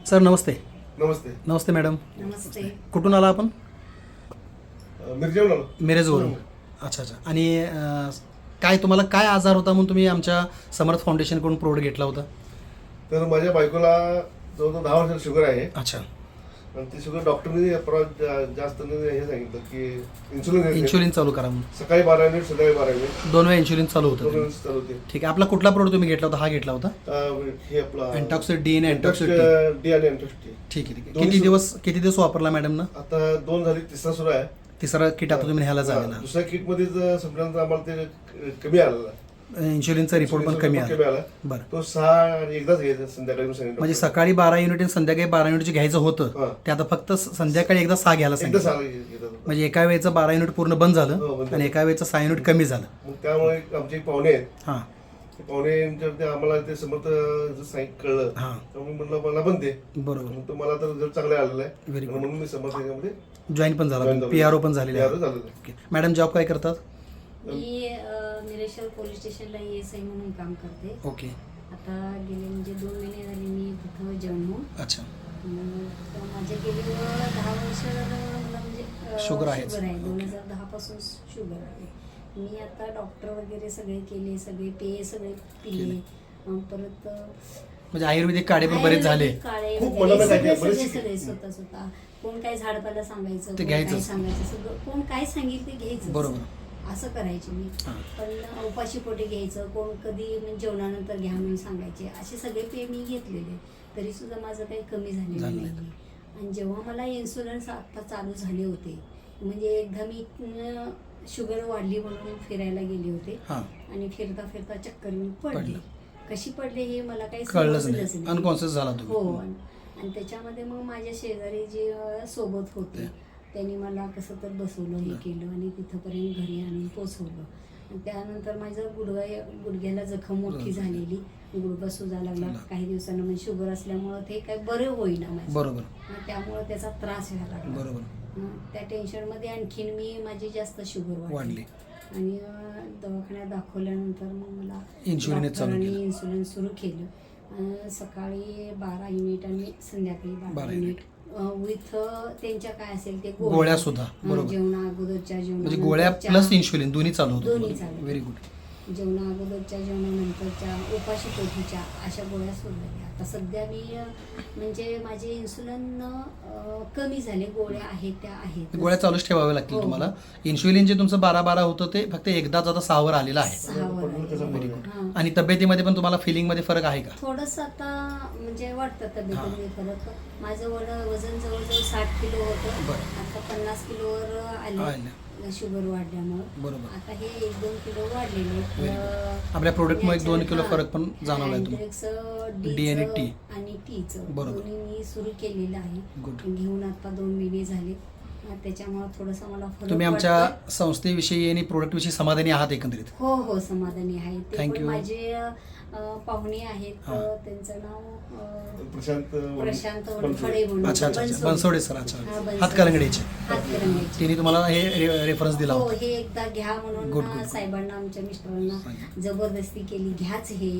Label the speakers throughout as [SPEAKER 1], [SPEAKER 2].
[SPEAKER 1] Sir नमस्ते.
[SPEAKER 2] नमस्ते.
[SPEAKER 1] नमस्ते madam.
[SPEAKER 3] नमस्ते.
[SPEAKER 1] कुठून आला आपण?
[SPEAKER 2] मिरजेवरून आलो.
[SPEAKER 1] मिरजवरून. अच्छा अच्छा. आणि काय तुम्हाला काय आजार होता म्हणून तुम्ही आमच्या समर्थ फाउंडेशनकडून प्रोडक्ट घेतला होता?
[SPEAKER 2] तर माझ्या बायकोला जवळजवळ 10 वर्षाची शुगर आहे.
[SPEAKER 1] अच्छा.
[SPEAKER 2] आणि ती शुगर डॉक्टरने जास्त हे सांगितलं की
[SPEAKER 1] इन्शुलिन चालू करा म्हणून.
[SPEAKER 2] सकाळी 12 मिनिट संध्याकाळी 12 मिनिट
[SPEAKER 1] 2 वेळा इन्शुलिन चालू
[SPEAKER 2] 2
[SPEAKER 1] होतं.
[SPEAKER 2] मिनिट चालू होते.
[SPEAKER 1] ठीक आहे. आपला कुठला प्रोडक्ट तुम्ही घेतला होता? हा घेतला होता
[SPEAKER 2] हे आपला
[SPEAKER 1] अँटॉक्सिड डी आणि अँटॉक्सिड
[SPEAKER 2] डी आणि अँटॉक्सिड.
[SPEAKER 1] ठीक आहे ठीक आहे. किती दिवस वापरला मॅडम ना?
[SPEAKER 2] आता 2 झाली, तिसरा सुरू आहे.
[SPEAKER 1] तिसरा किट आता तुम्ही ह्याला झालेला.
[SPEAKER 2] दुसऱ्या किटमध्ये संपल्यानंतर आम्हाला ते कमी आलेला.
[SPEAKER 1] इन्शुलिनचा रिपोर्ट पण कमी आला. बरं.
[SPEAKER 2] तो 6 आणि एकदाच घ्यायचा संध्याकाळी
[SPEAKER 1] म्हणजे सकाळी 12 युनिट आणि संध्याकाळी 12 युनिट घ्यायचं होतं ते आता फक्त संध्याकाळी एकदा 6 घ्यायला सांगितलं. म्हणजे एका वेळेचं 12 युनिट पूर्ण बंद झालं आणि एका वेळेचं 6 युनिट कमी झालं.
[SPEAKER 2] मग त्यामुळे आमचे एक पाहुणे आहेत.
[SPEAKER 1] हां.
[SPEAKER 2] पाहुणे आम्हाला ते समर्थ कळलं. त्यामुळे म्हटलं मला पण दे.
[SPEAKER 1] बरोबर.
[SPEAKER 2] तो मला तर रिझल्ट चांगला आलेला आहे.
[SPEAKER 1] Very good.
[SPEAKER 2] म्हणून मी समर्थ याच्यामध्ये
[SPEAKER 1] जॉईन पण झाला, पीआरओ पण झालेले आहे. मॅडम जॉब काय करतात?
[SPEAKER 3] मी निरेश्वर पोलीस स्टेशनला ESI म्हणून काम करते.
[SPEAKER 1] ओके.
[SPEAKER 3] आता गेले म्हणजे 2 महिने झाले मी तिथं जॉईन होऊन.
[SPEAKER 1] अच्छा.
[SPEAKER 3] माझ्या गेली 10 वर्ष मला म्हणजे
[SPEAKER 1] शुगर आहे.
[SPEAKER 3] 2010 पासून शुगर आहे. मी आता डॉक्टर वगैरे सगळे केले, सगळे पेय सगळे पिले. परत
[SPEAKER 1] म्हणजे आयुर्वेदिक काढे पण बरेच झाले.
[SPEAKER 3] काढे
[SPEAKER 2] खूप
[SPEAKER 3] वगैरे
[SPEAKER 2] मला
[SPEAKER 3] सगळे
[SPEAKER 2] माहिती आहे,
[SPEAKER 3] सगळे स्वतः कोण काय झाडपाला सांगायचं,
[SPEAKER 1] ते
[SPEAKER 3] कोण काय
[SPEAKER 1] घ्यायचं.
[SPEAKER 3] सांगायचं, सगळं कोण काय सांगेल ते घ्यायचं.
[SPEAKER 1] बरोबर.
[SPEAKER 3] असं करायचे मी. पण उपाशी पोटी घ्यायचं, कोण कधी म्हणजे जेवणानंतर घ्या म्हणून सांगायचे. असे सगळे पेय मी घेतलेले, तरी सुद्धा माझं काही कमी झालेलं नाही. आणि जेव्हा मला इन्शुरन्स आत्ता चालू झाले होते, म्हणजे एकदा मी शुगर वाढली म्हणून फिरायला गेले होते आणि फिरता फिरता चक्कर येऊन पडले. कशी पडले हे मला काही
[SPEAKER 1] कळलंच नाही, अनकॉन्शियस झाला तुम्ही.
[SPEAKER 3] हो. आणि त्याच्यामध्ये मग माझ्या शेजारी जे सोबत होते त्यांनी मला कसं तर बसवलं, हे केलं आणि तिथंपर्यंत घरी आणून पोचवलं. आणि त्यानंतर माझं गुडघ्याला जखम मोठी झालेली, गुडघा सुजा लागला काही दिवसांना. म्हणजे शुगर असल्यामुळं ते काही बरं होईना माझं.
[SPEAKER 1] बरोबर.
[SPEAKER 3] त्यामुळं त्याचा त्रास व्हायला लागला.
[SPEAKER 1] बरोबर.
[SPEAKER 3] त्या टेन्शनमध्ये आणखीन मी माझी जास्त शुगर वाढली आणि दवाखान्यात दाखवल्यानंतर मग मला इन्शुलिन सुरू केलं. सकाळी 12 युनिट आणि संध्याकाळी 12 युनिट विथ त्यांच्या काय असेल ते
[SPEAKER 1] गोळ्या सुद्धा.
[SPEAKER 3] जेवणा अगोदरच्या
[SPEAKER 1] म्हणजे गोळ्या प्लस इन्शुलिन दोन्ही चालू होतं.
[SPEAKER 3] दोन्ही चालू.
[SPEAKER 1] Very good.
[SPEAKER 3] जेवणा अगोदरच्या जेवणानंतरच्या उपाशी पोटीच्या अशा गोळ्या सुरू झाल्या. आता सध्या मी म्हणजे माझे इन्सुलिन कमी झाले, गोळ्या आहेत त्या आहेत.
[SPEAKER 1] गोळ्या चालूच ठेवाव्या लागतील तुम्हाला. इन्शुलिन जे तुमचं 12 होतं ते फक्त एकदाच आता 6 वर आलेलं आहे.
[SPEAKER 3] 6 वर.
[SPEAKER 1] आणि तब्येतीमध्ये पण तुम्हाला फिलिंग मध्ये फरक आहे का?
[SPEAKER 3] थोडंसं आता म्हणजे वाटतं तब्येतीमध्ये फरक. माझं वजन जवळजवळ 60 किलो होतं, आता 50 किलोवर आले शुगर वाढल्यामुळे.
[SPEAKER 1] बरोबर.
[SPEAKER 3] आता हे 1-2 किलो वाढलेले.
[SPEAKER 1] आपल्या प्रोडक्टमुळे 1-2 किलो फरक पण जाणवलाय तुम्हाला. डी आणि टी
[SPEAKER 3] आणि टीचं
[SPEAKER 1] बरोबर
[SPEAKER 3] मी सुरू केलेलं आहे. घेऊन आता 2 महिने झाले. त्याच्यामुळे थोडंसं मला फरक.
[SPEAKER 1] तुम्ही आमच्या संस्थेविषयी आणि प्रोडक्ट विषयी समाधानी आहात एकंदरीत?
[SPEAKER 3] हो हो, समाधानी आहे.
[SPEAKER 1] थँक्यू.
[SPEAKER 3] माझे पाहुणे आहेत, त्यांचं नाव प्रशांत फडे म्हणून.
[SPEAKER 1] अच्छा अच्छा. बनसोडे सर. अच्छा. हातकलंगडीचे. तिने तुम्हाला हे रेफरन्स दिला
[SPEAKER 3] हो,
[SPEAKER 1] होता.
[SPEAKER 3] हे एकदा घ्या म्हणून साहेबांना, आमच्या मिस्टरांना जबरदस्ती केली, घ्याच हे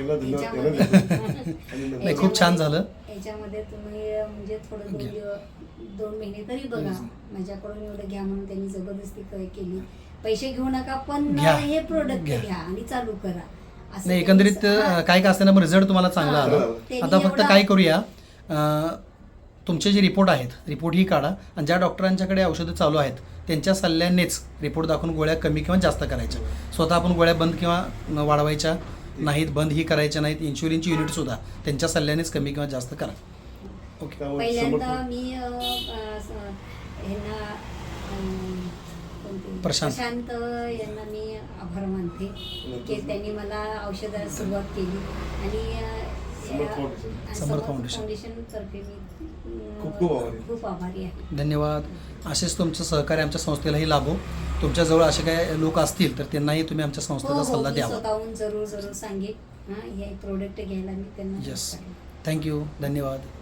[SPEAKER 1] नाही, खूप छान झालं.
[SPEAKER 3] याच्यामध्ये तुम्ही म्हणजे थोडं 2 महिने तरी बघा. माझ्याकडून एवढं घ्या म्हणून त्यांनी जबरदस्ती केली. पैसे घेऊ नका पण हे प्रोडक्ट घ्या आणि चालू करा.
[SPEAKER 1] नाही, एकंदरीत काय का असताना रिझल्ट तुम्हाला चांगला आला. आता फक्त काय करूया, तुमचे जे रिपोर्ट आहेत रिपोर्ट ही काढा आणि ज्या डॉक्टरांच्याकडे औषधं चालू आहेत त्यांच्या सल्ल्यानेच रिपोर्ट दाखवून गोळ्या कमी किंवा जास्त करायच्या. स्वतः आपण गोळ्या बंद किंवा वाढवायच्या नाहीत, बंद ही करायच्या नाहीत. इन्शुलिनची युनिट सुद्धा त्यांच्या सल्ल्यानेच कमी किंवा जास्त करा.
[SPEAKER 3] ओके. पहिल्यांदा मी प्रशांत यांना मी आभार मानते की त्यांनी मला औषधाला सुरुवात केली आणि समर्थ फाउंडेशन तर्फे मी खूप आभारी आहे.
[SPEAKER 1] धन्यवाद. असेच तुमचं सहकार्य आमच्या संस्थेलाही लाभो. तुमच्याजवळ असे काही लोक असतील तर त्यांनाही तुम्ही आमच्या संस्थेचा सल्ला द्यावा.
[SPEAKER 3] स्वतःहून जरूर सांगेन हे प्रोडक्ट घ्यायला मी त्यांना.
[SPEAKER 1] येस. थँक्यू. धन्यवाद.